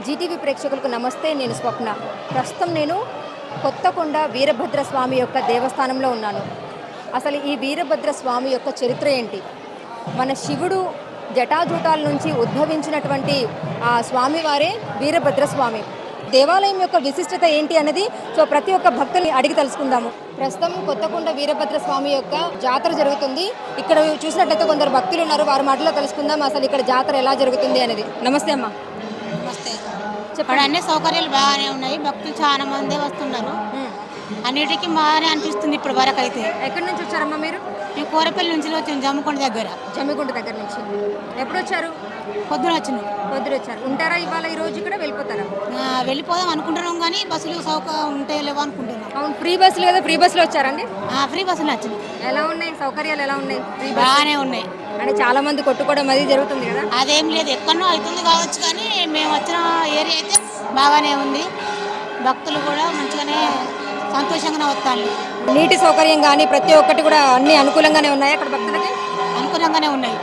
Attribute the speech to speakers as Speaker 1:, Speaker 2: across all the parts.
Speaker 1: Zee TV ప్రేక్షకులకు నమస్తే. నేను స్వప్న. ప్రస్తుతం నేను కొత్తకొండ వీరభద్ర స్వామి యొక్క దేవస్థానంలో ఉన్నాను. అసలు ఈ వీరభద్ర స్వామి యొక్క చరిత్ర ఏంటి? మన శివుడు జటాజూటాల నుంచి ఉద్భవించినటువంటి ఆ స్వామివారే వీరభద్ర స్వామి. దేవాలయం యొక్క విశిష్టత ఏంటి అన్నది ప్రతి ఒక్క భక్తుని అడిగి తెలుసుకుందాము. ప్రస్తుతం కొత్తకొండ వీరభద్ర స్వామి యొక్క జాతర జరుగుతుంది. ఇక్కడ చూసినట్లయితే కొందరు భక్తులు ఉన్నారు, వారి మాటలో తెలుసుకుందాం అసలు ఇక్కడ జాతర ఎలా జరుగుతుంది అనేది. నమస్తే అమ్మా.
Speaker 2: నమస్తే. చెప్పండి. అన్ని సౌకర్యాలు బాగానే ఉన్నాయి, భక్తులు చాలా మంది వస్తున్నారు, అన్నిటికీ బాగానే అనిపిస్తుంది ఇప్పుడు వరకు. అయితే
Speaker 1: ఎక్కడి నుంచి వచ్చారమ్మా మీరు?
Speaker 2: మేము కోరపల్లి నుంచి వచ్చాము, జమ్మికొండ దగ్గర.
Speaker 1: జమ్మికొండ దగ్గర నుంచి ఎప్పుడు వచ్చారు?
Speaker 2: పొద్దున వచ్చినాం.
Speaker 1: పొద్దున వచ్చారు. ఉంటారా ఇవాళ ఈ రోజు ఇక్కడ? వెళ్ళిపోతారా?
Speaker 2: వెళ్ళిపోదాం అనుకుంటున్నాం, కానీ బస్సులు సౌకర్యం ఉంటాయో లేవో అనుకుంటున్నాం.
Speaker 1: అవును, ఫ్రీ బస్సులు కదా, ఫ్రీ బస్సులో వచ్చారండి?
Speaker 2: ఫ్రీ బస్సులు వచ్చినాయి.
Speaker 1: ఎలా ఉన్నాయి సౌకర్యాలు? ఎలా ఉన్నాయి?
Speaker 2: బాగానే ఉన్నాయి.
Speaker 1: అంటే చాలా మంది కొట్టుకోవడం అది జరుగుతుంది కదా?
Speaker 2: అదేం లేదు, ఎక్కడనో అవుతుంది కావచ్చు, కానీ మేము వచ్చిన ఏరియా అయితే బాగానే ఉంది. భక్తులు కూడా మంచిగానే సంతోషంగానే వస్తాను.
Speaker 1: నీటి సౌకర్యం కానీ ప్రతి ఒక్కటి కూడా అన్ని అనుకూలంగానే ఉన్నాయి అక్కడ భక్తులకి?
Speaker 2: అనుకూలంగానే ఉన్నాయి.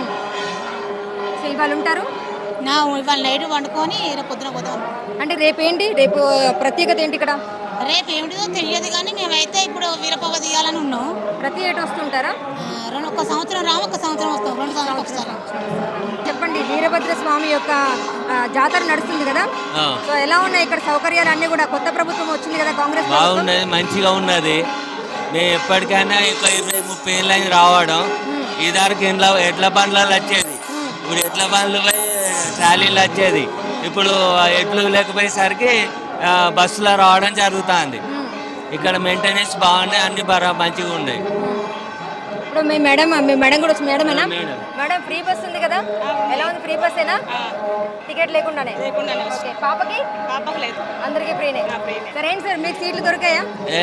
Speaker 1: సో ఇవాళ ఉంటారు?
Speaker 2: ఇవాళ నైట్ వండుకొని రేపు పొద్దున పోతాం.
Speaker 1: అంటే రేపు ఏంటి? రేపు ప్రత్యేకత ఏంటి ఇక్కడ?
Speaker 2: రేపు ఏమిటిదో తెలియదు, కానీ మేమైతే ఇప్పుడు వీరపవ తీయాలని ఉన్నాం.
Speaker 1: ప్రతి ఏటా వస్తుంటారా?
Speaker 2: ఒక సంవత్సరం రాము, ఒక సంవత్సరం వస్తాం, 2 సంవత్సరాలు ఒకసారి.
Speaker 1: చెప్పండి, వీరభద్ర స్వామి యొక్క జాతర నడుస్తుంది కదా, సో ఎలా ఉన్నాయి ఇక్కడ సౌకర్యాలు అన్ని కూడా? కొత్త ప్రభుత్వం వచ్చింది కదా, కాంగ్రెస్
Speaker 3: బాగున్నది, మంచిగా ఉన్నది. మేము ఎప్పటికైనా 20-30 ఏళ్ళని రావడం. ఇదివరకు ఎడ్ల బండ్లలో వచ్చేది, ఇప్పుడు ఎడ్ల బండ్లు పోయి ట్రాలీలు వచ్చేది. ఇప్పుడు ఎడ్లు లేకపోయేసరికి బస్సులో రావడం జరుగుతుంది. ఇక్కడ మెయింటెనెన్స్ బాగున్నాయి, అన్ని మంచిగా ఉన్నాయి.
Speaker 1: ఇప్పుడు మీ మేడం కూడా వచ్చి మేడమేనా? మేడం ఫ్రీ బస్ ఉంది కదా, ఎలా ఉంది? ఫ్రీ బస్ ఏనా? టికెట్ లేకుండానే? ఓకే. పాపకి లేదు, అందరికి ఫ్రీనే. సరే ఏంటి సార్, మీకు సీట్లు దొరికాయా?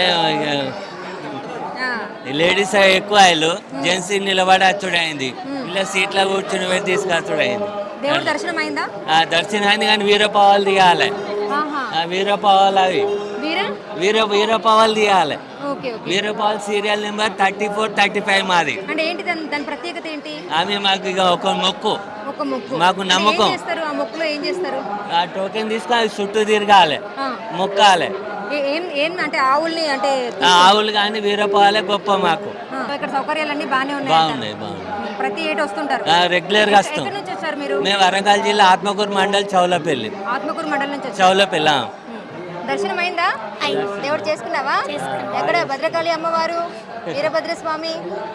Speaker 3: లేడీస్ ఎక్కువ అయ్యారు, జెంట్స్ నిలబడి వచ్చుడైంది, ఇలా సీట్లో కూర్చుని వెళ్ళి తీసుకొచ్చుడైంది.
Speaker 1: దేవుడు దర్శనం అయిందా?
Speaker 3: దర్శనం అయింది, కానీ వీరపావాలు తీయాలి. వీరపావాలు అవి వీరపావాలు తీయాలి. వీరపాల్ సీరియల్ నెంబర్ 34-35 మాది.
Speaker 1: అంటే ఏంటి దాని ప్రత్యేకత ఏంటి?
Speaker 3: ఆమె మాకు ఇక ఒక మొక్కు, మాకు నమ్మకం.
Speaker 1: ఆ మొక్కులో ఏం చేస్తారు?
Speaker 3: ఆ టోకెన్ తీసుకొని చుట్టూ తిరగాలి, మొక్కాలి.
Speaker 1: అంటే ఆవుల్ని, అంటే
Speaker 3: ఆవులు కానీ వీరపాలే గొప్ప మాకు.
Speaker 1: ఇక్కడ సౌకర్యాలన్నీ బాగున్నాయి.
Speaker 3: బాగున్నాయి.
Speaker 1: ప్రతి ఏటా వస్తుంటారు?
Speaker 3: రెగ్యులర్ గా వస్తాం. మేము వరంగల్ జిల్లా ఆత్మకూరు మండల్ చౌలపల్లి.
Speaker 1: ఆత్మకూరు మండలం నుంచి
Speaker 3: చౌలపల్లి.
Speaker 1: దర్శనం అయిందా? దేవుడు చేసుకున్నావా? ఎక్కడ? భద్రకాళి అమ్మవారు, వీరభద్ర స్వామి.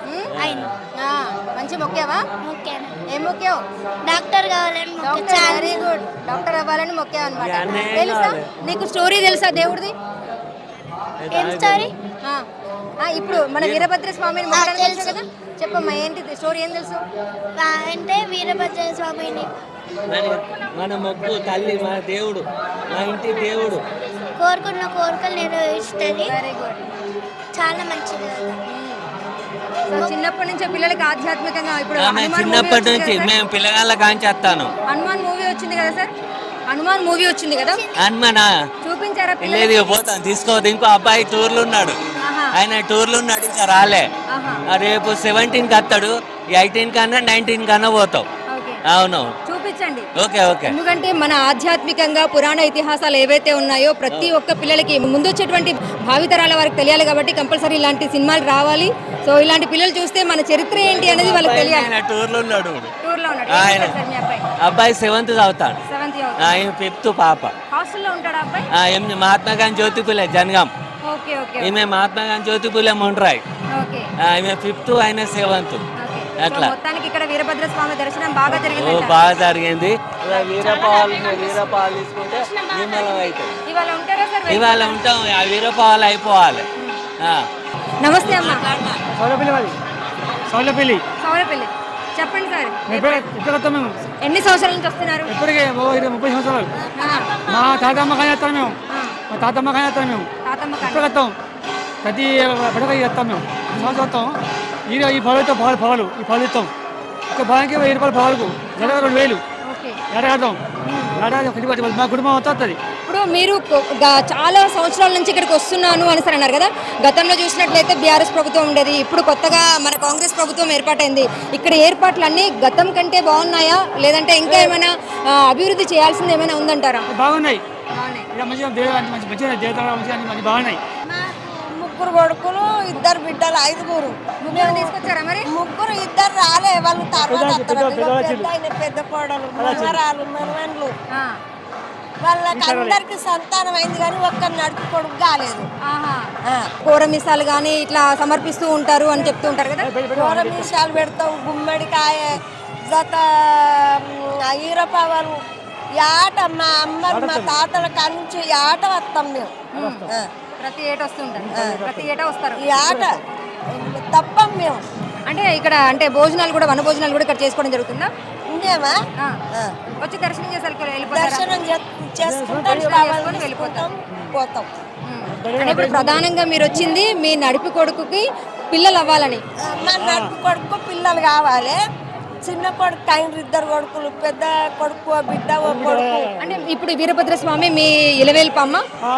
Speaker 1: మంచి మొక్కావా? ఏం మొక్కావు?
Speaker 4: డాక్టర్ కావాలని.
Speaker 1: వెరీ గుడ్, డాక్టర్ అవ్వాలని మొక్కావు అనమాట. తెలుసా నీకు? స్టోరీ తెలుసా దేవుడిది?
Speaker 4: ఏం స్టోరీ?
Speaker 1: ఇప్పుడు మన వీరభద్ర స్వామిని తెలుసు కదా, చెప్పమ్మా ఏంటి స్టోరీ? ఏం తెలుసు
Speaker 4: అంటే వీరభద్ర స్వామిని
Speaker 3: మన మొక్కు తల్లి, మన దేవుడు, మా ఇంటి దేవుడు.
Speaker 4: కోరుకున్న కోరికలు నెరవేరుస్తుంది.
Speaker 1: వెరీ గుడ్,
Speaker 4: చాలా మంచిది.
Speaker 1: చిన్నప్పటి నుంచి పిల్లలకి ఆధ్యాత్మికంగా ఇప్పుడు
Speaker 3: చిన్నప్పటి నుంచి మేము పిల్లగాళ్ళ కాంచేస్తాను.
Speaker 1: హనుమాన్ మూవీ వచ్చింది కదా సార్, హనుమాన్ మూవీ వచ్చింది కదా,
Speaker 3: హనుమానా
Speaker 1: చూపించారా?
Speaker 3: లేదు, పోతాను, తీసుకోవద్దు. ఇంకో అబ్బాయి టూర్లు ఉన్నాడు, ఆయన టూర్లు ఉన్నాడు, ఇంకా రాలే. రేపు 17కి వస్తాడు, 18 కన్నా 19 కన్నా పోతావు. అవును,
Speaker 1: చూపించండి.
Speaker 3: Okay okay.
Speaker 1: ఎందుకంటే మన ఆధ్యాత్మికంగా పురాణ ఇతిహాసాలు ఏవైతే ఉన్నాయో ప్రతి ఒక్క పిల్లలకి ముందు వచ్చేటువంటి భావితరాల వారికి తెలియాలి, కాబట్టి కంపల్సరీ ఇలాంటి సినిమాలు రావాలి. సో ఇలాంటి పిల్లలు చూస్తే మన చరిత్ర ఏంటి అనేది వాళ్ళకి తెలియాలి.
Speaker 3: టూర్లో ఉన్నాడు.
Speaker 1: అబ్బాయి
Speaker 3: 7th చదువుతాడు, 5th పాప.
Speaker 1: హాస్టల్లో ఉంటాడు అబ్బాయి.
Speaker 3: మహాత్మా గాంధీ జ్యోతిపులే జనగాం. ఈమె మహాత్మా గాంధీ జ్యోతిపులే మొండ్రాయ్. ఈమె 5th, ఆయన 7th. అట్లా
Speaker 1: మొత్తానికి ఇక్కడ వీరభద్ర స్వామి దర్శనం బాగా జరిగింది.
Speaker 3: బాగా జరిగింది. వీరపాలు తీసుకుంటే
Speaker 1: ఇవాళ ఉంటారా సార్?
Speaker 3: ఇవాళ ఉంటాం, ఆ వీరపాలు అయిపోవాలి.
Speaker 1: నమస్తే అమ్మా.
Speaker 5: సౌలపల్లి.
Speaker 1: చెప్పండి సార్,
Speaker 5: మేము
Speaker 1: ఎన్ని సంవత్సరాల నుంచి వస్తున్నారు?
Speaker 5: ఇప్పటికే 30 సంవత్సరాలు. మా తాతమ్మ కానీ వస్తాం మేము, ఇప్పుడు వస్తాం, ప్రతి పడక వస్తాం మేము. సంవత్సరం వస్తాం. ఈ పొలతో పొలాలు ఈ పొలం ఇస్తాం. ఒక పొలానికి 1000 రూపాయలు పొలాలకు, జర 2000 ఏడాడతాం. మా కుటుంబం వస్తుంది.
Speaker 1: ఇప్పుడు ఇప్పుడు మీరు చాలా సంవత్సరాల నుంచి ఇక్కడికి వస్తున్నాను అని అన్నారు కదా. గతంలో చూసినట్లయితే బీఆర్ఎస్ ప్రభుత్వం ఉండేది, ఇప్పుడు కొత్తగా మన కాంగ్రెస్ ప్రభుత్వం ఏర్పాటైంది. ఇక్కడ ఏర్పాట్లన్నీ గతం కంటే బాగున్నాయా, లేదంటే ఇంకా ఏమైనా అభివృద్ధి చేయాల్సింది ఏమైనా ఉందంటారా?
Speaker 5: బాగున్నాయి, మంచిగా మంచి బాగున్నాయి.
Speaker 6: ముగ్గురు కొడుకులు, ఇద్దరు బిడ్డలు, 5
Speaker 1: తీసుకొచ్చారా మరి?
Speaker 6: ముగ్గురు, ఇద్దరు రాలే, వాళ్ళు తర్వాత పెద్ద కోడలు, మనవరాలు, మనవన్లు, వాళ్ళకి అందరికి సంతానం అయింది కానీ ఒక్కరు నడుపు కొడుకు కాలేదు.
Speaker 1: కూరమిసాలు కానీ ఇట్లా సమర్పిస్తూ ఉంటారు అని చెప్తూ ఉంటారు కదా.
Speaker 6: కూరమిసాలు పెడతాం, గుమ్మడికాయ, జత ఈరపావలు, ఆట మా అమ్మలు మా తాతల కానించి ఆట వస్తాం మేము.
Speaker 1: ప్రతి ఏటా వస్తుంటారు, ప్రతి ఏటా వస్తారు.
Speaker 6: ఈ ఆట తప్పం మేము.
Speaker 1: అంటే ఇక్కడ అంటే భోజనాలు కూడా, వన భోజనాలు కూడా ఇక్కడ చేసుకోవడం జరుగుతుందా?
Speaker 6: ఉండేమా
Speaker 1: వచ్చి దర్శనం చేసి
Speaker 6: దర్శనం చేసుకుంటాం, వెళ్ళిపోతాం, పోతాం.
Speaker 1: అంటే ఇప్పుడు ప్రధానంగా మీరు వచ్చింది మీ నడిపి కొడుకుకి పిల్లలు అవ్వాలని.
Speaker 6: మా నడుపు కొడుకు పిల్లలు కావాలి. చిన్న కొడుకు అయిన 2 కొడుకులు, పెద్ద కొడుకు బిడ్డ ఓ కొడుకు.
Speaker 1: అంటే ఇప్పుడు వీరభద్ర స్వామి మీ ఇలవేల్పమ్మ.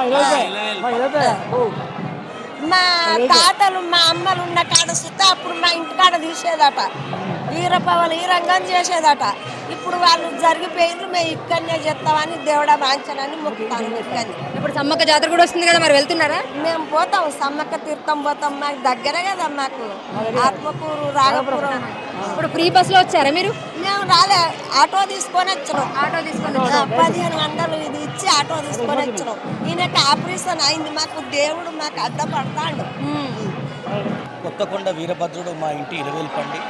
Speaker 6: మా తాతలు మా అమ్మలు ఉన్న కాడ సుత్తా అప్పుడు మా ఇంటి కాడ తీసేదట, ఈరపవలు ఈ రంగం చేసేదట. ఇప్పుడు వాళ్ళు జరిగిపోయిండ్రు, మేము ఇక్కడనే చేస్తామని దేవుడా వాంఛనని మొక్కుతాను. ఇక్కడనే
Speaker 1: ఇప్పుడు సమ్మక్క జాతర కూడా వస్తుంది కదా, మరి వెళ్తున్నారా?
Speaker 6: మేము పోతాం, సమ్మక్క తీర్థం పోతాం, మాకు దగ్గరే కదా, మాకు ఆత్మకూరు, రాగపురం.
Speaker 1: ఇప్పుడు ఫ్రీ బస్సులో వచ్చారా మీరు?
Speaker 6: మేము రాలే, ఆటో తీసుకొని వచ్చినాం.
Speaker 1: ఆటో తీసుకొని
Speaker 6: 1500 ఇది ఇచ్చి ఆటో తీసుకొని వచ్చినాం. ఈయనకి ఆపరేషన్ అయింది, మాకు దేవుడు మాకు అడ్డపడతాడు.
Speaker 7: కొత్తకొండ వీరభద్రుడు మా ఇంటి ఇలవేల్పండి.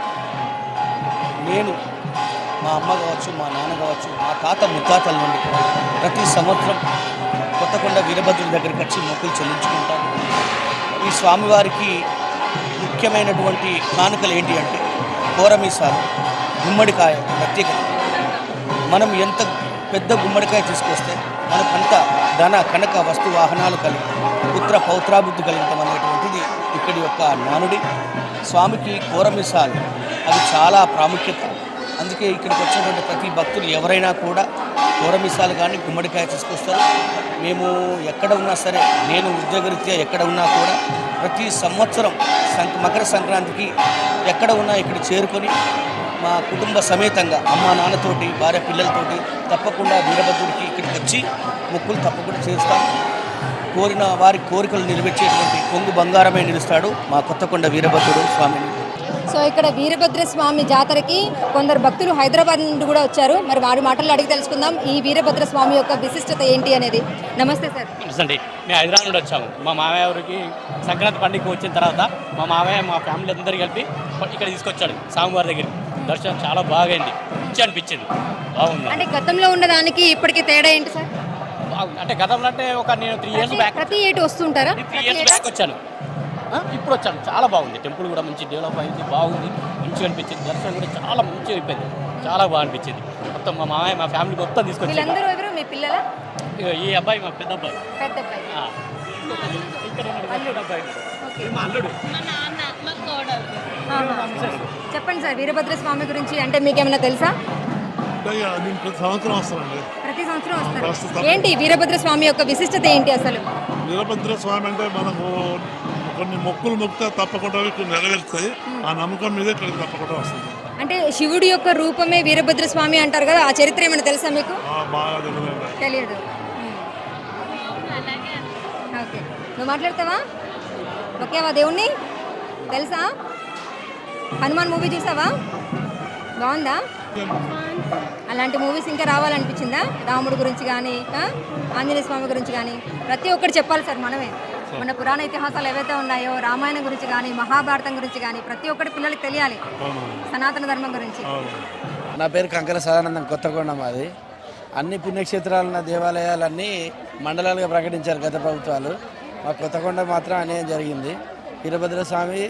Speaker 7: నేను, మా అమ్మ కావచ్చు, మా నాన్న కావచ్చు, మా తాత ముత్తాతల నుండి ప్రతి సంవత్సరం కొత్తకొండ వీరభద్రుడి దగ్గరికి వచ్చి మొక్కులు చెల్లించుకుంటాను. ఈ స్వామివారికి ముఖ్యమైనటువంటి కానుకలు ఏంటి అంటే కూరమీసాలు, గుమ్మడికాయ ప్రత్యేకత. మనం ఎంత పెద్ద గుమ్మడికాయ తీసుకొస్తే మనకంత ధన కనక వస్తు వాహనాలు కలిగి పుత్ర పౌత్రాభివృద్ధి కలుగుతాం అనేటువంటిది ఇక్కడి యొక్క నానుడి. స్వామికి కూరమీసాలు అది చాలా ప్రాముఖ్యత. అందుకే ఇక్కడికి వచ్చినటువంటి ప్రతి భక్తులు ఎవరైనా కూడా కూరమీసాలు కానీ గుమ్మడికాయ తీసుకొస్తారు. మేము ఎక్కడ ఉన్నా సరే, నేను ఉద్యోగరీత్యా ఎక్కడ ఉన్నా కూడా ప్రతి సంవత్సరం మకర సంక్రాంతికి ఎక్కడ ఉన్నా ఇక్కడ చేరుకొని మా కుటుంబ సమేతంగా అమ్మ నాన్నతోటి, భార్య పిల్లలతోటి తప్పకుండా వీరభద్రుడికి ఇక్కడికి వచ్చి మొక్కులు తప్పకుండా చేస్తాం. కోరిన వారి కోరికలు నెరవేర్చేటువంటి కొంగు బంగారమే నిలుస్తాడు మా కొత్తకొండ వీరభద్రుడు స్వామిని.
Speaker 1: సో ఇక్కడ వీరభద్ర స్వామి జాతరకి కొందరు భక్తులు హైదరాబాద్ నుండి కూడా వచ్చారు. మరి వారి మాటల్లో అడిగి తెలుసుకుందాం ఈ వీరభద్ర స్వామి యొక్క విశిష్టత ఏంటి అనేది. నమస్తే సార్.
Speaker 8: అండి, మేము హైదరాబాద్ నుండి వచ్చాము. మా మామయ్య ఊరికి సంక్రాంతి పండుగకి వచ్చిన తర్వాత మా మామయ్య మా ఫ్యామిలీ అందరూ కలిపి ఇక్కడ తీసుకొచ్చాడు స్వామివారి దగ్గరికి. దర్శనం చాలా బాగా అయింది, మంచి అనిపించింది, బాగుంది.
Speaker 1: అంటే గతంలో ఉన్నదానికి ఇప్పటికి తేడా ఏంటి సార్?
Speaker 8: అంటే గతంలో అంటే నేను 3 ఇయర్స్ బ్యాక్,
Speaker 1: ప్రతి ఏటు వస్తుంటారా?
Speaker 8: 3 ఇయర్స్ బ్యాక్ వచ్చాను, ఇప్పుడు వచ్చాను. చాలా బాగుంది, టెంపుల్ కూడా మంచి డెవలప్ అయింది, బాగుంది, మంచిగా అనిపించింది. దర్శనం కూడా చాలా మంచిగా అయిపోయింది, చాలా బాగా అనిపించింది. మొత్తం మా మామయ్య మా ఫ్యామిలీ మొత్తం తీసుకొచ్చి.
Speaker 1: వీళ్ళందరూ ఎవరు మీ పిల్లల?
Speaker 8: ఈ అబ్బాయి మా పెద్ద అబ్బాయి,
Speaker 1: పెద్ద అబ్బాయి.
Speaker 8: ఇక్కడ అబ్బాయి మా అల్లుడు.
Speaker 1: చెప్పండి సార్, వీరభద్ర స్వామి గురించి అంటే మీకేమైనా తెలుసా?
Speaker 9: ప్రతి సంవత్సరం వస్తానండి.
Speaker 1: ప్రతి సంవత్సరం వస్తారు. ఏంటి వీరభద్ర స్వామి యొక్క విశిష్టత ఏంటి అసలు?
Speaker 9: వీరభద్ర స్వామి అంటే మనకు కొన్ని మొక్కులు మొక్కితే తప్పకుండా నెరవేరుతాయి. ఆ నమ్మకం మీద ఇక్కడికి తప్పకుండా వస్తుంది.
Speaker 1: అంటే శివుడి యొక్క రూపమే వీరభద్ర స్వామి అంటారు కదా, ఆ చరిత్ర ఏమైనా తెలుసా మీకు?
Speaker 9: బాగా
Speaker 1: తెలియదు. ఓకే, నువ్వు మాట్లాడతావా? ఓకేవా? దేవుణ్ణి తెలుసా? హనుమాన్ మూవీ చూసావా? బాగుందా? అలాంటి మూవీస్ ఇంకా రావాలనిపించిందా? రాముడి గురించి కానీ, ఆంజనేయ స్వామి గురించి కానీ ప్రతి ఒక్కటి చెప్పాలి సార్. మనమే మన పురాణ ఇతిహాసాలు ఏవైతే ఉన్నాయో, రామాయణం గురించి కానీ, మహాభారతం గురించి కానీ ప్రతి ఒక్కటి పిల్లలకి తెలియాలి, సనాతన ధర్మం గురించి.
Speaker 10: నా పేరు కంకర సదానందం, కొత్తకొండ మాది. అన్ని పుణ్యక్షేత్రాలున్న దేవాలయాలన్నీ మండలాలుగా ప్రకటించారు గత ప్రభుత్వాలు. మా కొత్తకొండ మాత్రం అన్యాయం జరిగింది. వీరభద్ర స్వామి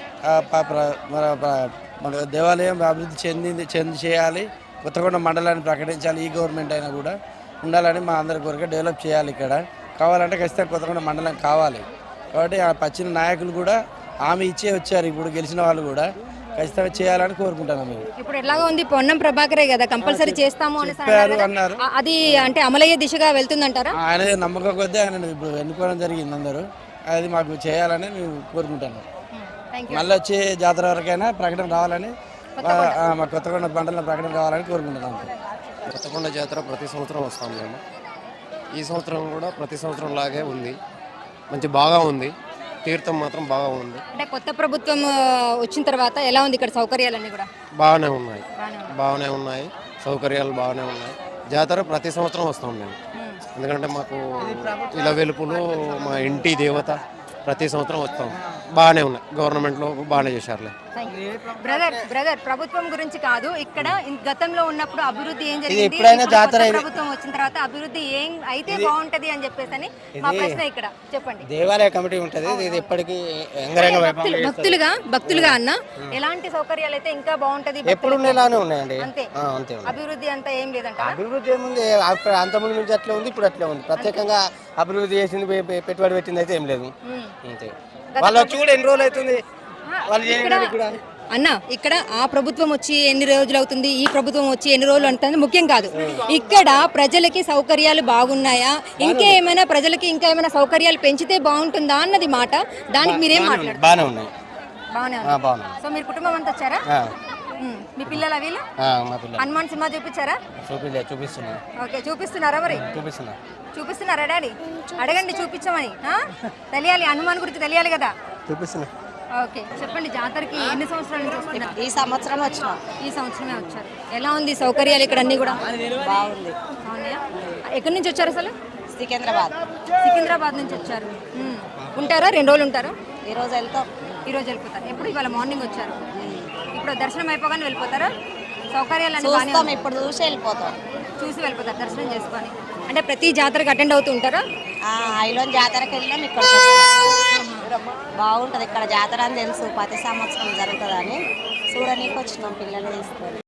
Speaker 10: మన దేవాలయం అభివృద్ధి చెంది చేయాలి, కొత్తకొండ మండలాన్ని ప్రకటించాలి. ఈ గవర్నమెంట్ అయినా కూడా ఉండాలని మా అందరి కోరిక. డెవలప్ చేయాలి. ఇక్కడ కావాలంటే ఖచ్చితంగా కొత్తకొండ మండలం కావాలి. కాబట్టి ఆ పచ్చిన నాయకులు కూడా హామీ ఇచ్చే వచ్చారు. ఇప్పుడు గెలిచిన వాళ్ళు కూడా ఖచ్చితంగా చేయాలని కోరుకుంటున్నాం మేము.
Speaker 1: ఇప్పుడు ఎలాగా ఉంది? పొన్నం ప్రభాకరే కదా కంపల్సరీ చేస్తాము అని
Speaker 10: చెప్పారు అన్నారు.
Speaker 1: అది అంటే అమలయ్యే దిశగా వెళ్తుందంటారా?
Speaker 10: ఆయన నమ్మకం కొద్దీ ఆయన ఇప్పుడు ఎన్నుకోవడం జరిగింది అందరూ. అది మాకు చేయాలని మేము కోరుకుంటున్నాం. మళ్ళీ వచ్చే జాతర వరకైనా ప్రకటన రావాలని మా కొత్తకొండ మండలం ప్రకటన రావాలని కోరుకుంటున్నాం.
Speaker 11: కొత్తకొండ జాతర ప్రతి సంవత్సరం వస్తాం మేము. ఈ సంవత్సరం కూడా ప్రతి సంవత్సరం లాగే ఉంది. మంచి బాగా ఉంది. తీర్థం మాత్రం బాగా ఉంది.
Speaker 1: అంటే కొత్త ప్రభుత్వం వచ్చిన తర్వాత ఎలా ఉంది ఇక్కడ సౌకర్యాలన్నీ కూడా?
Speaker 11: బాగానే ఉన్నాయి. సౌకర్యాలు బాగానే ఉన్నాయి. జాతర ప్రతి సంవత్సరం వస్తాం మేము. ఎందుకంటే మాకు ఇలా వెలుపులు మా ఇంటి దేవత, ప్రతి సంవత్సరం వస్తాం. బాగానే ఉన్నాయి. గవర్నమెంట్లో బాగానే చేశారులే.
Speaker 1: బ్రదర్ ప్రభుత్వం గురించి కాదు, ఇక్కడ గతంలో ఉన్నప్పుడు అభివృద్ధి ఏం జరిగింది,
Speaker 7: ఎప్పుడైనా జాతర
Speaker 1: ప్రభుత్వం వచ్చిన తర్వాత అభివృద్ధి ఏం అయితే బాగుంటది అని చెప్పేసి మా ప్రశ్న. ఇక్కడ చెప్పండి.
Speaker 7: దేవాలయ కమిటీ ఉంటుంది, ఇది ఎప్పటికీ
Speaker 1: భక్తులుగా అన్న ఎలాంటి సౌకర్యాలు అయితే ఇంకా బాగుంటది?
Speaker 7: ఎప్పుడు ఉండేలానే ఉన్నాయండి.
Speaker 1: అంతే. అభివృద్ధి అంతా ఏం లేదంట.
Speaker 7: అభివృద్ధి ఏముంది, అంతకుముందు నుంచి అట్లే ఉంది, ఇప్పుడు అట్లే ఉంది. ప్రత్యేకంగా అభివృద్ధి చేసింది, పెట్టుబడి పెట్టింది అయితే ఏం లేదు. అంతే. వాళ్ళు వచ్చి కూడా ఎన్ని రోజులు అవుతుంది
Speaker 1: అన్న? ఇక్కడ ఆ ప్రభుత్వం వచ్చి ఎన్ని రోజులు అవుతుంది, ఈ ప్రభుత్వం వచ్చి ఎన్ని రోజులు అంటుంది ముఖ్యం కాదు. ఇక్కడ ప్రజలకి సౌకర్యాలు బాగున్నాయా, ఇంకా ఏమైనా ప్రజలకి ఇంకా ఏమైనా సౌకర్యాలు పెంచితే బాగుంటుందా అన్నది మాట. దానికి మీరేం మాట్లాడారు?
Speaker 7: బాగానే ఉన్నాయి.
Speaker 1: సో మీరు కుటుంబం అంతా వచ్చారా? మీ పిల్లలు వీళ్ళు హనుమాన్ సినిమా చూపించారా?
Speaker 7: చూపిస్తున్నా.
Speaker 1: ఓకే, చూపిస్తున్నారా? మరి చూపిస్తున్నారా డాడీ? అడగండి చూపించమని. తెలియాలి, హనుమాన్ గురించి తెలియాలి కదా.
Speaker 7: చూపిస్తున్నా.
Speaker 1: ఓకే, చెప్పండి. జాతరకి ఎన్ని సంవత్సరాల నుంచి వస్తున్నారు?
Speaker 6: ఈ సంవత్సరం వచ్చినాం.
Speaker 1: ఈ సంవత్సరమే వచ్చారు. ఎలా ఉంది సౌకర్యాలు ఇక్కడ అన్ని కూడా?
Speaker 6: బాగుంది.
Speaker 1: అవునాయా? ఎక్కడి నుంచి వచ్చారు అసలు?
Speaker 6: సికింద్రాబాద్
Speaker 1: నుంచి వచ్చారు. ఉంటారా? 2 రోజులు ఉంటారా?
Speaker 6: ఈరోజు వెళ్తాం.
Speaker 1: ఈరోజు వెళ్ళిపోతారు. ఎప్పుడు? ఇవాళ మార్నింగ్ వచ్చారు. ఇప్పుడు దర్శనం అయిపోగానే వెళ్ళిపోతారా? సౌకర్యాలు
Speaker 6: ఇప్పుడు చూసి
Speaker 1: వెళ్ళిపోతారు దర్శనం చేసుకొని. అంటే ప్రతి జాతరకి అటెండ్ అవుతూ ఉంటారా?
Speaker 6: ఐలోన్ జాతరకి వెళ్ళాం. ఇక్కడ బాగుంటుంది. ఇక్కడ జాతర అని తెలుసు, ప్రతి సంవత్సరం జరుగుతుందని చూడనీకి వచ్చినాం పిల్లలు తీసుకొని.